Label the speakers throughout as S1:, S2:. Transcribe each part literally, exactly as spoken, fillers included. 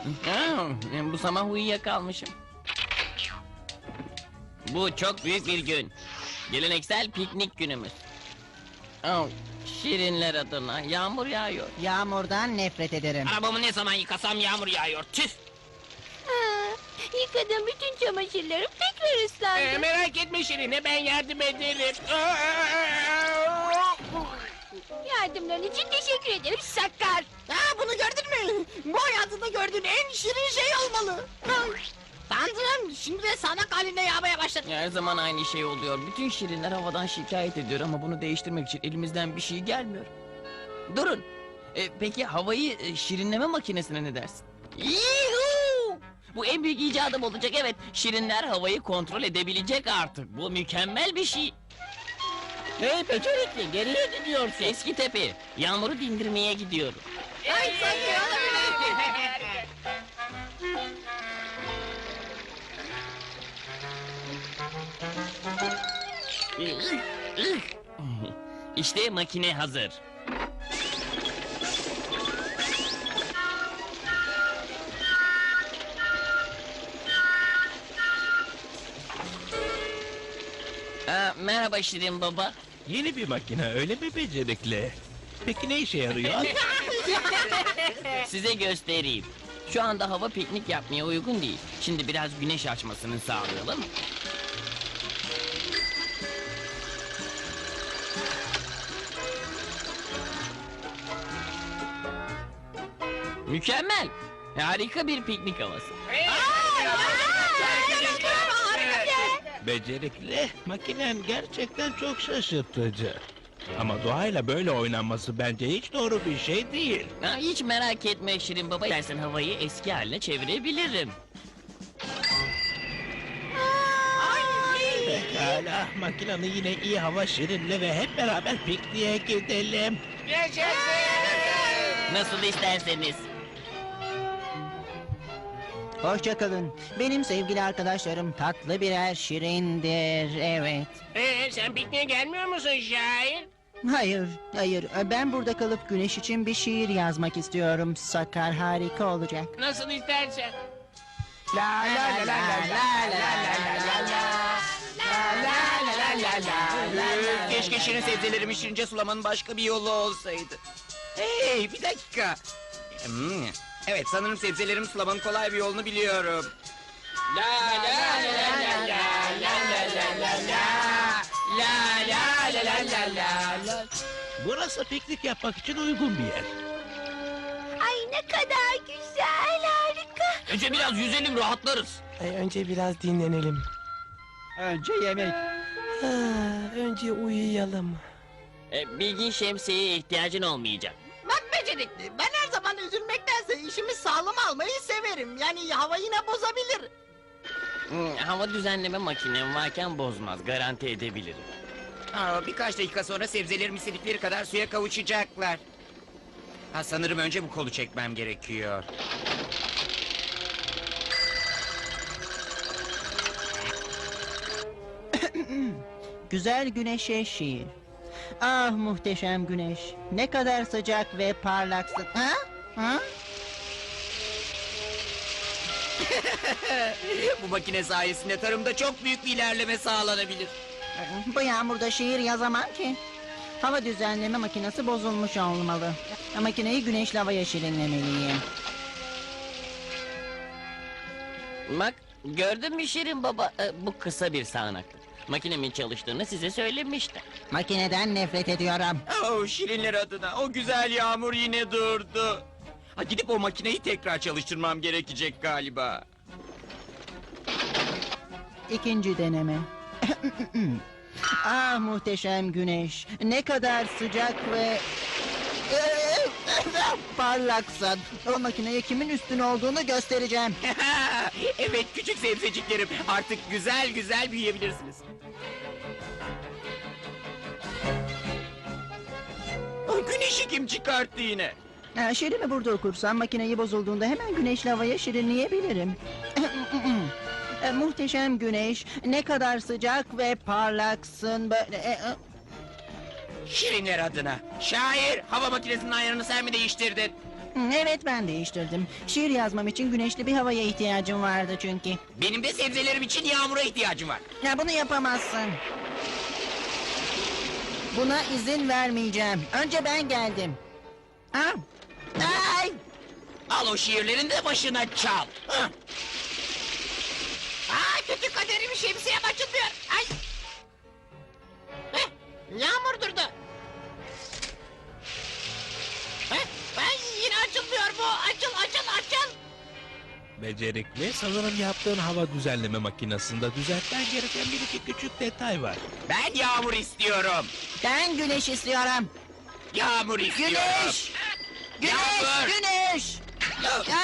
S1: Ha, bu sabah uyuyakalmışım. Bu çok büyük bir gün. Geleneksel piknik günümüz. Oh, şirinler adına yağmur yağıyor.
S2: Yağmurdan nefret ederim.
S3: Arabamı ne zaman yıkasam yağmur yağıyor. Tüh.
S4: Ha, yıkadım bütün çamaşırlarım tekrar ıslandı.
S3: Ee, merak etme Şirine, ben yardım ederim.
S4: Yardımların için teşekkür ederim Sakar.
S2: Ha, bunu gördün mü? Bu hayatında gördüğün en şirin şey olmalı. Tanrım, şimdi de sanak halinde yağmaya başladı.
S1: Her zaman aynı şey oluyor. Bütün şirinler havadan şikayet ediyor ama bunu değiştirmek için elimizden bir şey gelmiyor. Durun. E, peki havayı e, şirinleme makinesine ne dersin? Yuhuu! Bu en büyük icadım olacak, evet. Şirinler havayı kontrol edebilecek artık. Bu mükemmel bir şey.
S2: Hey becerikli, geriye gidiyorsun.
S1: Eski tepe. Yağmuru dindirmeye gidiyorum.
S2: Ay, sanki
S1: İşte makine hazır. Aa, merhaba Şirin Baba.
S5: Yeni bir makine öyle mi becerikli? Peki ne işe yarıyor?
S1: Size göstereyim. Şu anda hava piknik yapmaya uygun değil. Şimdi biraz güneş açmasını sağlayalım. Mükemmel. Harika bir piknik havası.
S5: Becerikli, makinen gerçekten çok şaşırtıcı. Ama doğayla böyle oynanması bence hiç doğru bir şey değil.
S1: Ha, hiç merak etme Şirin Baba. İstersen havayı eski haline çevirebilirim.
S5: Pekala, makinanı yine iyi hava şirinle ve hep beraber pikniğe gidelim.
S1: Nasıl isterseniz.
S2: Hoşça kalın. Benim sevgili arkadaşlarım tatlı birer şirindir, evet.
S3: Ee, sen pikniğe gelmiyor musun şair?
S2: Hayır, hayır. Ben burada kalıp güneş için bir şiir yazmak istiyorum. Sakar, harika olacak.
S3: Nasıl istersen.
S2: La la la la la la la la.
S6: Keşke şirin sebzelerimi şirince sulamanın başka bir yolu olsaydı. Hey, bir dakika. Hmm, evet, sanırım sebzelerimi sulamanın kolay bir yolunu biliyorum. La la la la la la la la la la la la la la la la la.
S5: Burası piknik yapmak için uygun bir yer.
S4: Ay ne kadar güzel, harika.
S1: Önce biraz yüzelim, rahatlarız.
S7: Önce biraz dinlenelim.
S2: Önce yemek.
S7: Ha, önce uyuyalım.
S1: E, bilgin şemsiyeye ihtiyacın olmayacak.
S2: Bak becerikli, ben her zaman üzülmektense işimi sağlam almayı severim. Yani hava yine bozabilir.
S1: Hmm, hava düzenleme makinem varken bozmaz, garanti edebilirim.
S6: Aa, birkaç dakika sonra sebzelerim istedikleri kadar suya kavuşacaklar. Ha, sanırım önce bu kolu çekmem gerekiyor.
S2: Güzel güneşe şiir. Ah muhteşem güneş. Ne kadar sıcak ve parlaksın. Ha? Ha?
S6: Bu makine sayesinde tarımda çok büyük bir ilerleme sağlanabilir.
S2: Bu yağmurda şiir yazamam ki. Hava düzenleme makinesi bozulmuş olmalı. Makineyi güneşli havaya şirinlemeliyim.
S1: Bak, gördün mü Şirin Baba? E, bu kısa bir sağanaklık. Makinemin çalıştığını size söylemiştim.
S2: Makineden nefret ediyorum.
S6: Oh, şirinler adına o güzel yağmur yine durdu. Ha, gidip o makineyi tekrar çalıştırmam gerekecek galiba.
S2: İkinci deneme. Ah muhteşem güneş. Ne kadar sıcak ve... parlaksın. O makineye kimin üstün olduğunu göstereceğim.
S6: Evet küçük sebzeciklerim, artık güzel güzel büyüyebilirsiniz. Ah, güneşi kim çıkarttı yine?
S2: Ha, şiirimi burada okursam makineyi bozulduğunda hemen güneşli havaya şirinleyebilirim. E, muhteşem güneş, ne kadar sıcak ve parlaksın böyle. e, e.
S6: Şirinler adına. Şair, hava makinesinin ayarını sen mi değiştirdin?
S2: Hı, Evet ben değiştirdim. Şiir yazmam için güneşli bir havaya ihtiyacım vardı çünkü.
S6: Benim de sebzelerim için yağmura ihtiyacım var.
S2: Ya bunu yapamazsın. Buna izin vermeyeceğim. Önce ben geldim. Ha? Ay!
S6: Al o şiirlerini de başına çal. Hah.
S3: Aa, kötü kaderim şemsiyem açılmıyor. Ay. Heh, yağmur durdu. Heh, ay, yine açılmıyor bu. Açıl açıl açıl.
S5: Becerikli, sanırım yaptığın hava düzenleme makinesinde düzeltmen gereken bir iki küçük detay var.
S6: Ben yağmur istiyorum.
S2: Ben güneş istiyorum.
S6: Yağmur istiyorum.
S2: Güneş! Güneş!
S6: Yağmur!
S2: Güneş! Ya,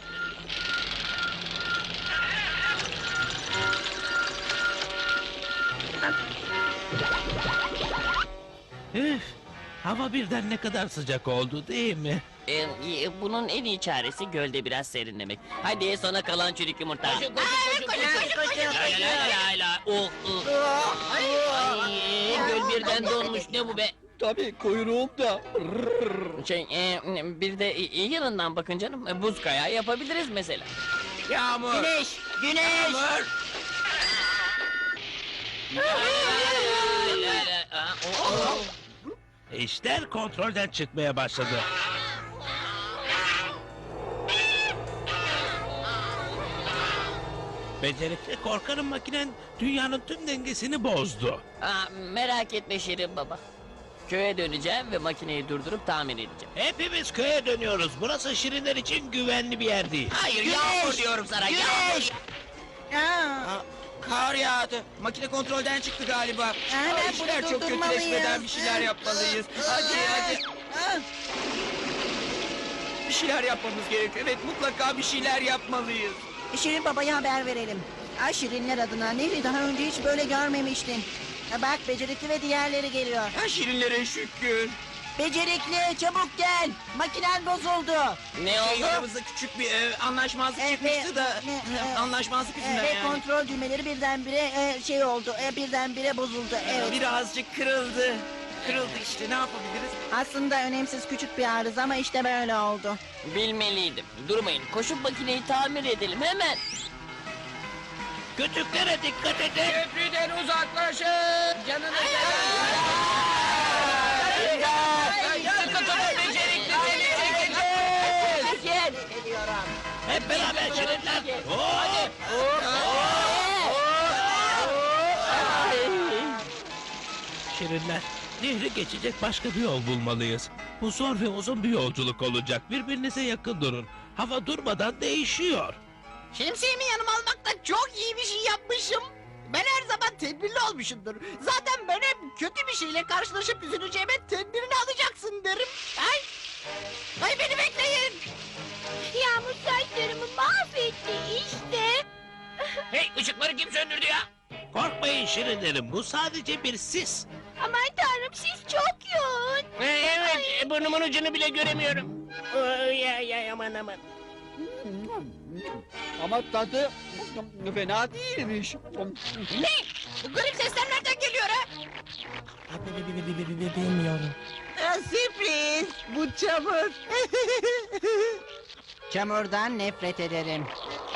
S5: Üf, hava birden ne kadar sıcak oldu değil mi?
S1: Ee, e, bunun en iyi çaresi gölde biraz serinlemek. Hadi sona kalan çürük yumurta.
S3: Koşun koşun koşun koşun.
S1: La la la la. Oh, oh. Ay, göl birden donmuş. Ne bu be?
S6: Tabii kuyruğum da.
S1: Şey, e, bir de iyi yanından bakın canım. E, Buz kayağı yapabiliriz mesela.
S6: Yağmur.
S2: güneş! Güneş!
S6: Yağmur.
S1: La la la. Aa, oh, oh.
S5: İşler kontrolden çıkmaya başladı. Becerikli, korkarım makinen dünyanın tüm dengesini bozdu.
S1: Aa, merak etme Şirin baba. Köye döneceğim ve makineyi durdurup tamir edeceğim.
S5: Hepimiz köye dönüyoruz. Burası şirinler için güvenli bir yer değil.
S6: Hayır
S2: Güneş!
S6: yağmur diyorum sana. Yağmur.
S2: Güneş! Aa,
S6: Aa, Kar yağdı. Makine kontrolden çıktı galiba.
S2: Hemen
S6: Ay, işler
S2: bunu
S6: çok
S2: durdurmalıyız.
S6: kötüleşmeden bir şeyler yapmalıyız. Hadi hadi.
S2: aa.
S6: Bir şeyler yapmamız gerekiyor. Evet mutlaka bir şeyler yapmalıyız.
S2: Şirin babaya haber verelim. Ay Şirinler adına Nehri daha önce hiç böyle görmemiştin. Ha, Bak becerikli ve diğerleri geliyor.
S6: Ha şirinlere şükür.
S2: Becerikli çabuk gel. Makinen bozuldu.
S1: Ne
S6: Şey,
S1: oldu?
S6: aramızda küçük bir e, anlaşmazlık
S2: Evet,
S6: çıkmıştı da.
S2: ne,
S6: e,
S2: e,
S6: anlaşmazlık yüzünden
S2: Ve
S6: yani.
S2: kontrol düğmeleri birdenbire e, şey oldu. E, birdenbire bozuldu. Evet.
S6: Birazcık kırıldı. Kırıldı işte ne yapabiliriz?
S2: Aslında önemsiz küçük bir arıza ama işte böyle oldu.
S1: Bilmeliydim. Durmayın. Koşup makineyi tamir edelim hemen.
S5: Küçüklere dikkat edin.
S3: Köprüden uzaklaşın. Canınız
S2: Gel. Geliyorum.
S5: Hep beraber şirinler. Hop! Şirinler, nehri geçecek başka bir yol bulmalıyız. Bu zor ve uzun bir yolculuk olacak. Birbirinize yakın durun. Hava durmadan değişiyor.
S3: Şemsiyemi yanıma almakla çok iyi bir şey yapmışım. Ben her zaman tedbirli olmuşumdur. Zaten ben hep kötü bir şeyle karşılaşıp üzüleceğime tedbirini alacaksın derim. Ay! Ay beni bekleyin!
S4: Yağmur saçlarımı mahvetti işte.
S3: Hey ışıkları kim söndürdü ya?
S5: Korkmayın şirinlerim, bu sadece bir sis.
S4: Aman tanrım siz çok yoğun.
S3: Evet burnumun ucunu bile göremiyorum. Ya ya aman aman.
S6: Ama tadı fena değilmiş.
S3: Ne? Bu garip sesler nereden geliyor ha?
S7: Bilmiyorum.
S2: Sürpriz. Bu çamur. Çamurdan nefret ederim.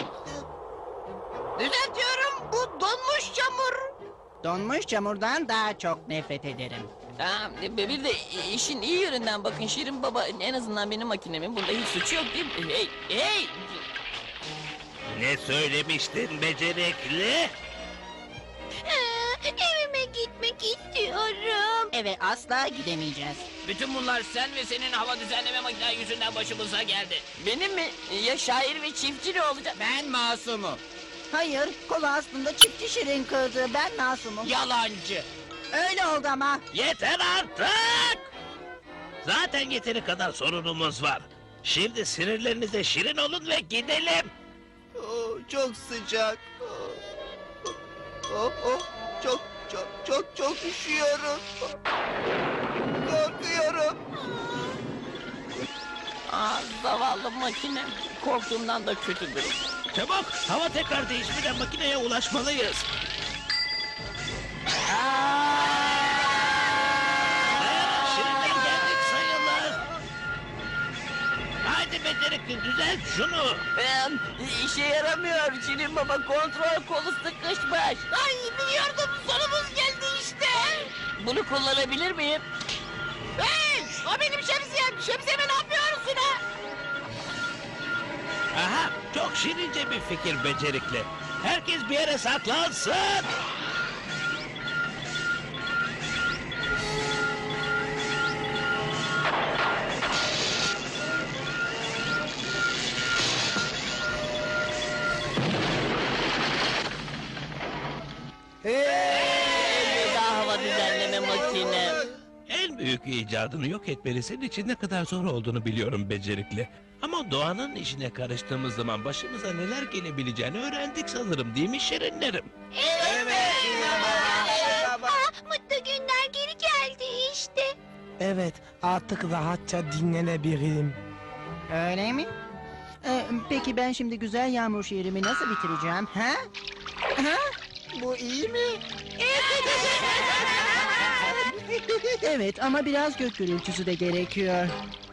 S3: Düzeltiyorum bu donmuş çamur.
S2: Donmuş çamurdan daha çok nefret ederim.
S1: Ha, bir de işin iyi yönünden bakın Şirin baba. En azından benim makinemin bunda hiç suçu yok değil mi? Hey, hey!
S5: Ne söylemiştin becerikli?
S4: Aa, evime gitmek istiyorum.
S2: Eve asla gidemeyeceğiz.
S3: Bütün bunlar sen ve senin hava düzenleme makinen yüzünden başımıza geldi.
S1: Benim mi? Ya şair ve çiftçi ne olacak?
S6: Ben masumum.
S2: Hayır, kolu aslında çiftçi Şirin kırdı. Ben masumum.
S6: Yalancı.
S2: Öyle oldu ama.
S5: Yeter artık! Zaten yeteri kadar sorunumuz var. Şimdi sinirlerinize şirin olun ve gidelim.
S6: Oh, çok sıcak. Oh, oh, oh, çok çok çok çok üşüyorum. Korkuyorum.
S1: Aa, zavallı makine. Korktuğumdan da kötü durum.
S5: Çabuk, hava tekrar değişmeden makineye ulaşmalıyız. Dayanın, şirinler geldik sayılır. Hadi Hadi becerikli düzelt şunu.
S1: Ee, işe yaramıyor. Şirin Baba kontrol kolu sıkışmış.
S3: Ay biliyordum sonumuz geldi işte.
S1: Bunu kullanabilir miyim?
S3: Hey o benim şemsiyem. Şemsiyeme ne yapıyorsun ha?
S5: Aha, çok şirince bir fikir becerikli. Herkes bir yere saklansın.
S1: Elveda hava düzenleme makine.
S5: En büyük icadını yok etmeli senin için ne kadar zor olduğunu biliyorum becerikli. Ama doğanın işine karıştığımız zaman başımıza neler gelebileceğini öğrendik sanırım, değil mi şirinlerim?
S4: Ah, mutlu günler geri geldi işte.
S7: Evet, artık rahatça dinlenebilirim.
S2: Öyle mi? Ee, peki ben şimdi güzel yağmur şiirimi nasıl bitireceğim? Ha? Ha?
S3: Bu iyi mi?
S2: Evet ama biraz gök gürültüsü de gerekiyor.